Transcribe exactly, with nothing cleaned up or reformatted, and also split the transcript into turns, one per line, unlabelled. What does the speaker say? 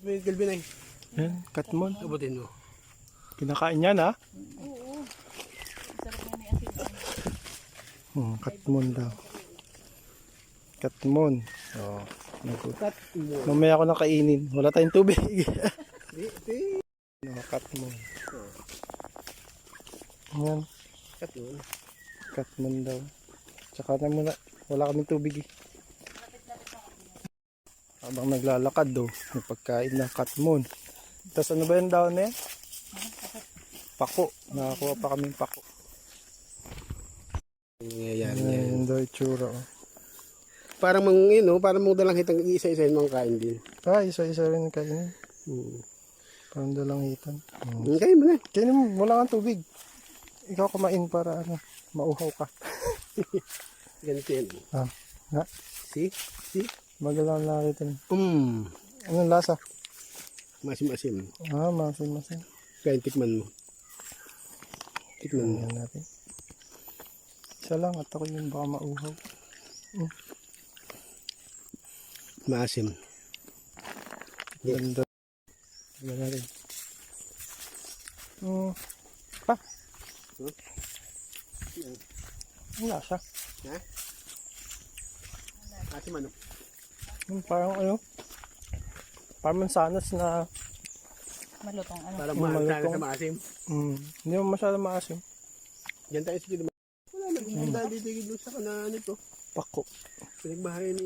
may galbinay.
Yan, katmon.
Abutin mo.
Kinakain yan ha?
Oo. Sarap nga ni asin.
Hmm, katmon daw. Katmon. Oh, nag-
Cut mo.
Mamaya ako nang kainin. Wala tayong tubig.
Di, di.
No, katmon. Yan,
Cut mo.
katmon daw. Tsaka na muna. Wala kaming tubig eh. Habang naglalakad do, may pagkain ng katmon. Tapos ano ba yung daon na yan? Pako. Nakakuha pa kaming pako.
Nangyayari
Yan,
yan.
yung daw itsura. Oh.
Parang mang, you know, parang mong dalang hitang isa-isa yung mga kain din.
Ah, isa-isa rin kainin.
Hmm.
Parang dalang hitan. Hmm.
Hmm, kain mo na.
Kainin mo, wala kang tubig. Ikaw kumain para ano, mauhaw ka.
Ganito yan.
Ah, nga.
See? See?
Magalang nakita niyo.
Hmm.
Anong lasa?
Masim-asim.
Ah, masin-masin.
Kaya tikman mo. Tikman mo.
Tingnan natin. Isa lang at ako yung baka mauhaw. Mm.
Maasim. Yeah.
Ganda. Tingnan natin. Mm. Pa.
Huh?
Ang lasa.
Ha? Asim ano?
Mm, parang ano. Parang mansanas na
Malutong ano.
Parang
Hmm,
mahal
malutong.
sa maasim.
mm, hindi mo masyadong maasim.
Diyan tayo sige naman. Wala nang hmm. Dahil dito sa kanaan ito.
Pako.
Pinagbahayan